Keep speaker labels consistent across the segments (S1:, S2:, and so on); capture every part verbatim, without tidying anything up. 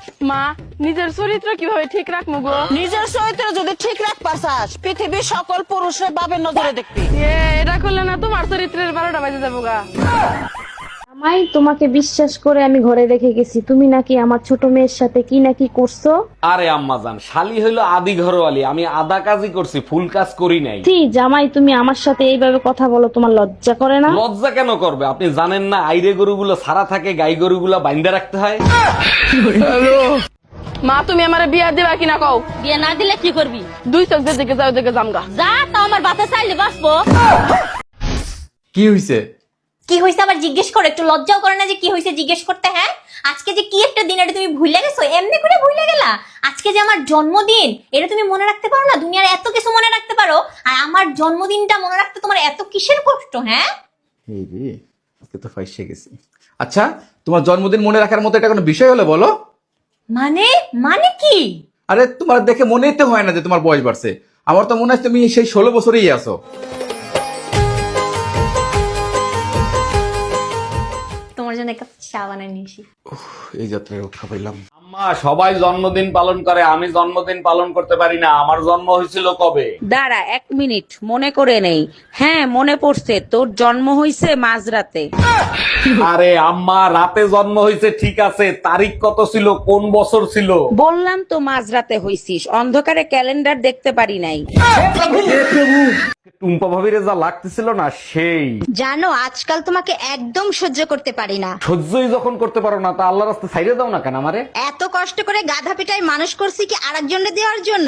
S1: মা নিজের চরিত্র কিভাবে ঠিক রাখবো গো?
S2: নিজের চরিত্র যদি ঠিক রাখবার চাস পৃথিবীর সকল পুরুষের বাবের নজরে দেখবি।
S1: এ, এটা করলে না তোমার চরিত্রের বারোটা বাজে যাবো গা।
S3: আমাই তোমাকে বিশ্বাস করে আমি ঘরে রেখে গেছি, তুমি নাকি আমার ছোট মেয়ের সাথে কি নাকি করছো।
S4: আরে আম্মাজান, শালি হইলো আদি ঘরওয়ালি, আমি আধা কাজই করছি, ফুল কাজ করি নাই।
S3: ছি জামাই, তুমি আমার সাথে এইভাবে কথা বলো, তোমার লজ্জা করে না?
S4: লজ্জা কেন করবে? আপনি জানেন না আইরে গরুগুলো সারা থাকে, গাই গরুগুলো বাইন্দা রাখতে হয়।
S1: মা তুমি আমার বিয়া দিবা কিনা কও?
S5: বিয়ে না দিলে কি করবি?
S1: দুই চোখ দিয়ে দিকে যাও দিকে জামগা।
S5: যা তো আমার বাপে চাইলে বাঁচবো।
S6: কি হইছে?
S5: কি হয়েছে আবার জিজ্ঞেস করো? একটু লজ্জাও করে না যে কি হয়েছে জিজ্ঞেস করতে? হ্যাঁ, আজকে যে কি একটা দিন, এটা তুমি ভুলে গেছো? এমনি করে ভুলে গেলা? আজকে যে আমার জন্মদিন, এটা তুমি মনে রাখতে পারো না? দুনিয়ার এত কিছু মনে রাখতে পারো, আর আমার জন্মদিনটা মনে রাখতে তোমার এত কিসের কষ্ট? হ্যাঁ,
S6: এই রে, আজকে তো ফাইসে গেছি। আচ্ছা, তোমার জন্মদিন মনে রাখার মতো এটা কোনো বিষয় হলো বলো?
S5: মানে মানে কি?
S6: আরে তোমার দেখে মনেই তো হয় না যে তোমার বয়স বাড়ছে। আমার তো মনে হয় তুমি সেই ষোলো বছরেই আছো।
S5: তোমার জন্য একটা চা বানায় নিয়েছি।
S6: এই যাত্রায় রক্ষা পাইলাম।
S4: আম্মা, সবাই জন্মদিন পালন করে, আমি জন্মদিন পালন করতে পারি না। আমার জন্ম হয়েছিল কবে?
S7: দাঁড়া এক মিনিট, মনে করে নেই। হ্যাঁ মনে পড়ছে, তোর জন্ম হইছে মাঝরাতে।
S4: আরে আম্মা, রাতে জন্ম হয়েছে ঠিক আছে, তারিখ কত ছিল, কোন বছর ছিল?
S7: বললাম তো মাঝরাতে হইছিস, অন্ধকারে ক্যালেন্ডার দেখতে পারি নাই।
S4: টুম্পা ভাবির যা লাগতেছিল না সেই।
S8: জানো আজকাল তোমাকে একদম সহ্য করতে পারি না।
S4: সহ্যই যখন করতে পারো না, তা আল্লাহ রাস্তা ছাইড়ে দাও না কেন আমারে?
S8: এত কষ্ট করে গাধা পিটাই মানুষ করছি কি আরেকজনকে দেওয়ার জন্য?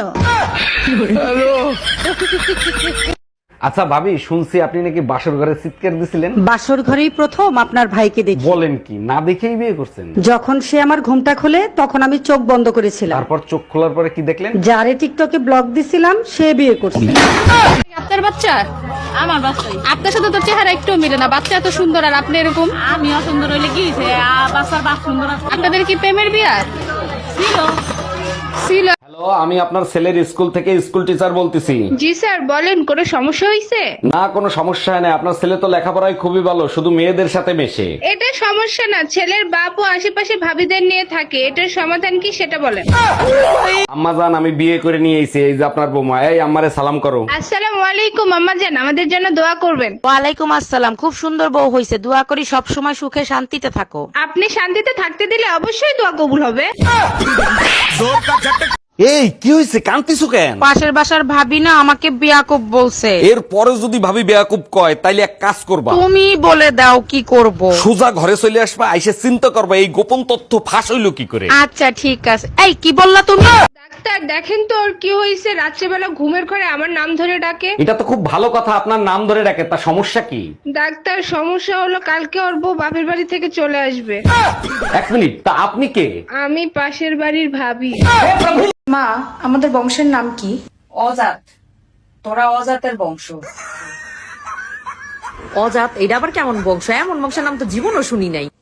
S4: আচ্ছা ভাবি, শুনছি আপনি নাকি বাসর ঘরে চিৎকার দিছিলেন।
S9: বাসর ঘরেই প্রথম আপনার ভাইকে দেখি।
S4: বলেন কি, না দেখেই বিয়ে করছেন?
S9: যখন সে আমার ঘুমটা খোলে তখন আমি চোখ বন্ধ করেছিলাম।
S4: তারপর চোখ খোলার পরে কি দেখলেন?
S9: যারে টিকটকে ব্লগ দিছিলাম সে বিয়ে করছে।
S1: আপনার বাচ্চা?
S5: আমার বাচ্চাই।
S1: আপনার সাথে তো চেহারা একটু মিলে না, বাচ্চা এত সুন্দর আর আপনি এরকম।
S5: আমি অসুন্দর হইলে কি হয়েছে? বাচ্চার বাপ সুন্দর আছে।
S1: আপনাদের কি প্রেমের বিয়া
S5: ছিল।
S1: ছিল?
S4: হ্যালো, আমি আপনার ছেলের স্কুল থেকে স্কুল টিচার বলতেছি।
S1: জি স্যার বলেন, কোনো সমস্যা হয়েছে?
S4: না, কোনো সমস্যা হয় না। আপনার ছেলে তো লেখাপড়ায় খুবই ভালো, শুধু মেয়েদের সাথে মেশে।
S1: এটা সমস্যা না, ছেলের বাপ ও আশেপাশে ভাবিদের নিয়ে থাকে, এটার সমাধান কি সেটা বলেন।
S4: আম্মা জান, আমি বিয়ে করে নিয়ে এসেছি, এই যে আপনার বৌমা। এই আম্মারে সালাম করো।
S1: আসসালামু আলাইকুম আম্মা জান, আমাদের জন্য দোয়া করবেন।
S7: ওয়ালাইকুম আসসালাম, খুব সুন্দর বউ হইছে, দোয়া করি সব সময় সুখে শান্তিতে থাকো।
S1: আপনি শান্তিতে থাকতে দিলে অবশ্যই দোয়া কবুল হবে।
S4: এই কি হয়েছে, কান্তিছো কেন?
S7: পাশের বাসার ভাবি না আমাকে বিয়াকুব বলছে।
S4: এর পরে যদি ভাবি বেয়াকুব কয়, তাইলে এক কাজ করবা,
S7: তুমি বলে দাও কি করব।
S4: সোজা ঘরে চলে আসবা, আইসে চিন্তা করবা এই গোপন তথ্য ফাঁস হইলো কি করে।
S7: আচ্ছা ঠিক আছে। এই কি বললা তুমি?
S1: ডাক্তার দেখেন তো ওর কি হয়েছে, রাত্রেবেলা ঘুমের ঘরে আমার নাম ধরে ডাকে।
S4: এটা তো খুব ভালো কথা, আপনার নাম ধরে ডাকে, তা সমস্যা কি?
S1: ডাক্তার সমস্যা হলো কালকে ওর বউ বাপের বাড়ি থেকে চলে আসবে।
S4: এক মিনিট, তা আপনি কে?
S1: আমি পাশের বাড়ির ভাবি।
S10: মা, আমাদের বংশের নাম কি?
S9: অজাত। তোরা অজাতের বংশ।
S2: অজাত এটা আবার কেমন বংশ? এমন বংশের নাম তো জীবনও শুনি নাই।